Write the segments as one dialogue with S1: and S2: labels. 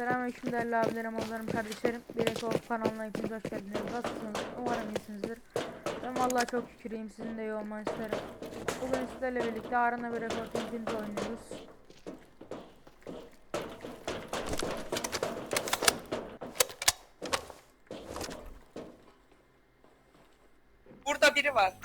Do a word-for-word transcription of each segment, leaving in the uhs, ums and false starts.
S1: Selamünaleyküm değerli abilerim, ablalarım, kardeşlerim. Bir Eko kanalına hepiniz hoş geldiniz. Nasılsınız? Umarım iyisinizdir. Ben vallahi çok şükür iyiyim. Sizin de iyi olmanı isterim. Bugün sizlerle birlikte Arena bir Eko Infinite oynuyoruz.
S2: Burada biri var.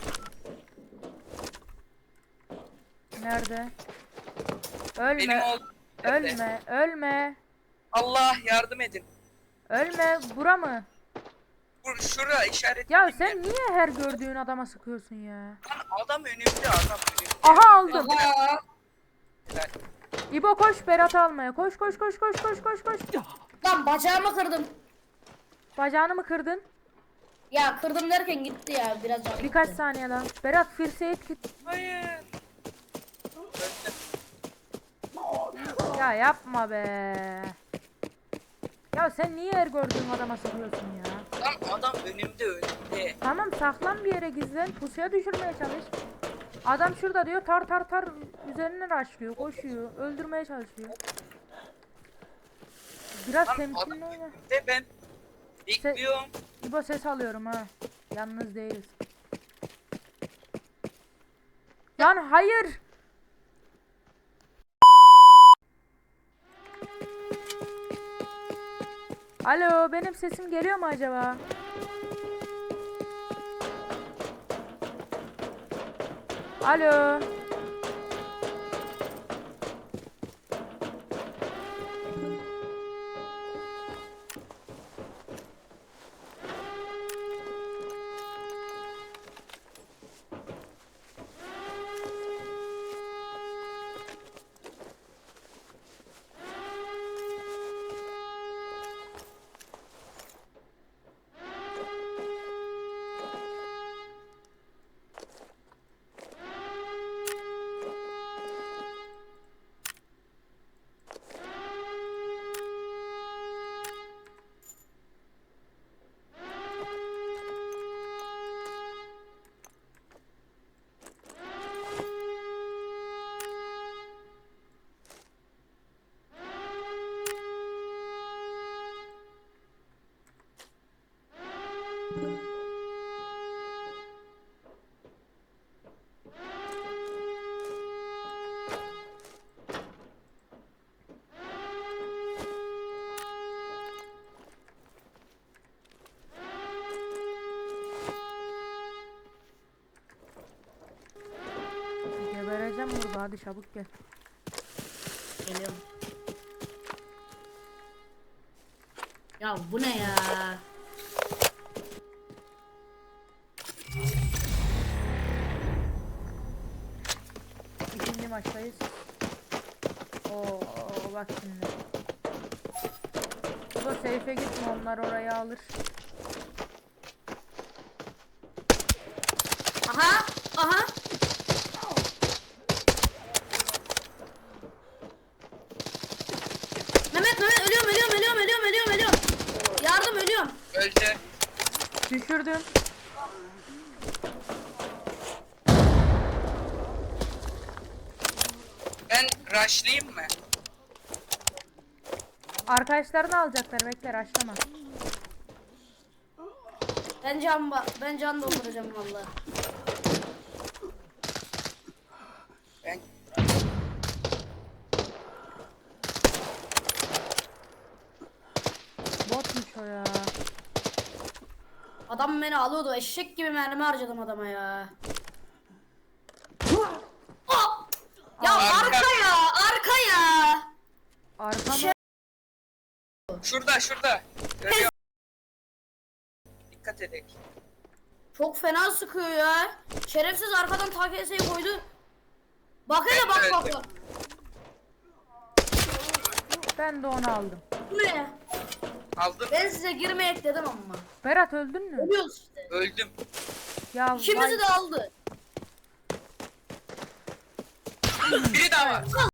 S1: Nerede?
S2: Benim
S1: Ölme.
S2: oğlum. nerede?
S1: Ölme. Ölme.
S2: Allah yardım edin.
S1: Ölme. Bura mı?
S2: Bur şura işaret.
S1: Ya sen niye her gördüğün adama sıkıyorsun ya?
S2: Lan adam önümde, adam önümde.
S1: Aha, aldım.
S2: Allah.
S1: İbo koş Berat'ı almaya. Koş koş koş koş koş koş koş.
S3: Lan bacağımı kırdım.
S1: Bacağını mı kırdın?
S3: Ya kırdım derken gitti ya biraz canım
S1: Birkaç
S3: gitti.
S1: saniye lan. Berat first aid kit.
S2: Hayır. Öldüm.
S1: Ya yapma be. Ya sen niye her gördüğün adama sıkıyorsun ya?
S2: Lan adam önümde önümde.
S1: Tamam, saklan bir yere, gizlen. Pusuya düşürmeye çalış. Adam şurada diyor, tar tar tar üzerine raşlıyor, koşuyor, öldürmeye çalışıyor. Biraz
S2: Lan
S1: temkinli
S2: adam
S1: oyna.
S2: önümde, ben bekliyorum.
S1: İbo ses alıyorum ha. Yalnız değiliz. Lan hayır. Alo, benim sesim geliyor mu acaba? Alo. Gebereceğim burada, hadi çabuk gel.
S3: Geliyorum. Ya bu ne ya?
S1: İkinci maçtayız. Oo bak şimdi. Bu da safe'e gitme, onlar orayı alır.
S3: Aha aha. Mehmet Mehmet ölüyorum ölüyorum ölüyorum ölüyorum ölüyorum ölüyorum. Yardım ölüyorum.
S2: Öldü.
S1: Düşürdüm.
S2: Ben rushlayayım mı?
S1: Arkadaşlarını alacaklar, bekler, açlama.
S3: Ben can ba ben can dolduracağım vallahi.
S2: Ben
S1: Botmuş o ya.
S3: Adam beni alıyordu. Eşek gibi mermi harcadım adama ya. Oh! Ya
S2: Arka.
S3: arka ya, arka ya.
S1: Arka mı?
S3: Şey-
S2: şurada şurada. Görüyorum. Dikkat edin.
S3: Çok fena sıkıyor ya. Şerefsiz arkadan T K S'yi koydu. Bak hele bak bak bak.
S1: Ben de onu aldım.
S3: Bu ne?
S2: Aldım.
S3: Ben size girmeyek dedim ama.
S1: Berat öldün mü?
S3: Ölüyoruz işte.
S2: Öldüm.
S1: Ya
S3: İkimizi
S1: vay-
S3: de aldı.
S2: Biri daha var.